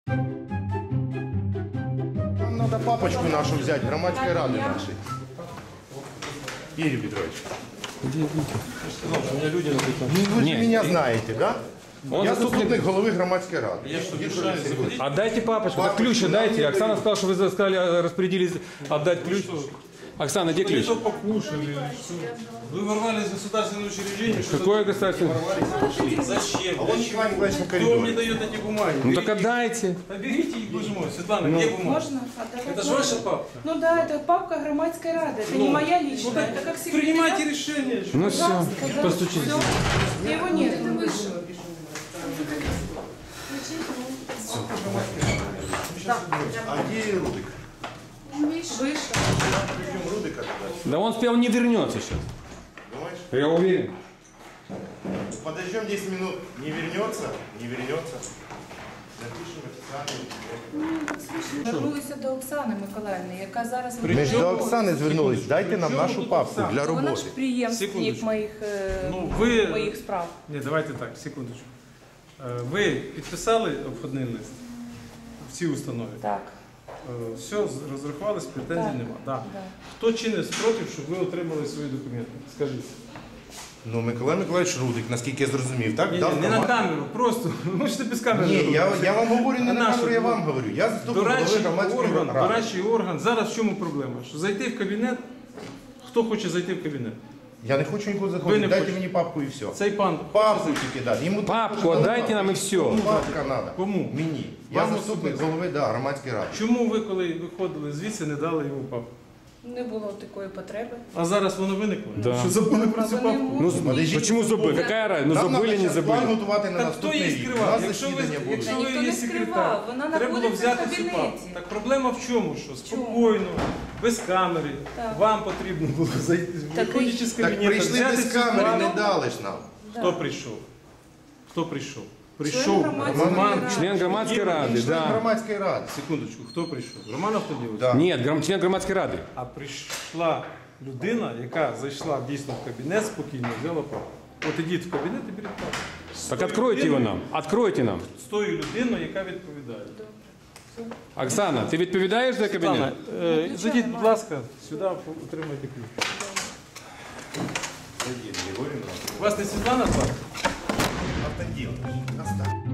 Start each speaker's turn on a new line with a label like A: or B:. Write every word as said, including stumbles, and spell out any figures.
A: Нам надо папочку нашу взять, громадской рады нашей. Игорь Петрович.
B: Где Витя? Я же сказал, что у меня люди написаны.
A: Вы же
B: Нет,
A: меня
B: и-
A: знаете, да?
B: Он
A: Я
B: заступник-
A: заступник головы громадской рады.
B: Я что, мешаю заходить?
C: Отдайте папочку. Так
A: Папочку
C: ключ
A: нам
C: дайте.
A: не
C: Оксана
A: дают.
C: сказала, что вы сказали, распорядились отдать ключ. Оксана, где ключ?
B: Что покушали или что? Вы ворвались в государственное учреждение. что
C: Какое
B: тут
C: государственное?
B: ворвались? Зачем?
A: А вон Николай Николаевич на
B: Кто мне
A: коридоре.
B: дает эти бумаги?
C: Ну так
B: Берите.
C: отдайте.
B: Да берите их, боже мой. Светлана, где бумаги?
D: Можно? Отдавать
B: Это же
D: можно?
B: ваша папка.
D: Ну да, это папка громадской рады. Это не моя личная, это как секретарь.
B: Принимайте решение.
C: Ну все, постучите.
D: Его нет, это выше.
A: А где Рудик?
D: Выше.
A: Придем Рудика туда.
C: Да он спел, не вернется сейчас.
A: Думаешь?
C: Я уверен.
A: Подождем десять минут. Не вернется? Не вернется. Напишем официальный.
D: Звернулися до Оксани Миколаївни, яка зараз
A: Ми ж до Оксани звернулись. Дайте нам
B: Причому
A: нашу
B: тут
A: папку
B: Оксана?
A: для
D: вона ж
A: роботи.
D: приємственник
B: Секундочку.
D: моїх, е,
B: Ну, ви-
D: моїх справ.
B: Ні, давайте так, секундочку. Е, Ви підписали обходний лист в цій установі?
D: Так.
B: Е, Все, з- розрахувались, претензій
D: Так.
B: нема. Да.
D: Да.
B: Хто чинив спротив, щоб ви отримали свої документи? Скажіть.
A: Ну, Миколай Миколаївич Рудик, наскільки я зрозумів, так?
B: Ні,
A: Дав
B: ні, не на
A: команду.
B: камеру, просто. Ви можете без камери.
A: Ні,
B: робити.
A: я, я вам говорю не
B: А
A: на
B: нашу?
A: камеру, я вам говорю. Я заступник голови
B: Дорадчий
A: громадської
B: орган,
A: ради.
B: дорадчий орган. Зараз в чому проблема? Що зайти в кабінет, хто хоче зайти в кабінет?
A: Я не хочу нікуди
B: Ви не
A: заходити. Дайте
B: хочете?
A: мені папку і все.
B: Цей пан.
A: Папку тільки дати. Йому
C: Папку отдайте нам и все.
A: Папка треба.
B: Кому?
A: Мені. Я
B: Вам
A: заступник
B: особисто?
A: голови, да, громадської ради.
B: Чому ви, коли виходили звідси, не дали йому папку?
D: Не було такої потреби.
B: А зараз воно виникло?
C: Да.
B: Що забули про цю
D: А вони
B: папку?
C: Ну,
A: Подождите,
C: почему забыли? Какая разница? Ну
A: Нам
C: забыли,
A: надо
C: не
A: щас план
C: забыли.
A: готувати на
B: Так хто
A: наступний
B: її
A: рік. У
B: скривав?
A: нас
B: Якщо ви,
A: засідання будуть.
B: якщо
D: Та
B: ви
D: ніхто
B: є
D: не
B: секретар,
D: скривав, вона
B: треба було
D: знаходиться в
B: взяти цю
D: кабінеті.
B: папку. Так проблема в чому? Що спокійно, без камери,
D: Так.
B: вам потрібно було зайти,
D: Так
B: виходячи з
A: Так
B: кабінету,
A: прийшли
B: взяти
A: без
B: цю
A: камери,
B: папку.
A: не дали ж нам.
B: Хто прийшов? Хто прийшов?
D: Член
B: Прийшов
D: громадської
B: Роман.
D: ради.
C: Член громадской рады,
A: Член
C: да.
A: громадської ради.
B: Секундочку, хто прийшов? Роман Автоділович?
A: Да.
C: Нет, гром- член громадской рады.
B: А прийшла людина, яка зайшла дійсно в кабінет, спокійно взяла папку. От ідіть в кабінет і беріть папку. З
C: Так
B: тою
C: откройте его
B: людиною-
C: нам. Откройте нам.
B: З тою людиною, яка відповідає.
C: Оксана, ты відповідаєш за
B: Світлана,
C: кабінет?
B: е, зайдіть, будь ласка, сюди отримайте ключ.
A: Сидіть, Григорівна.
B: У вас не Світлана звати?
A: Автоділ. Оставь.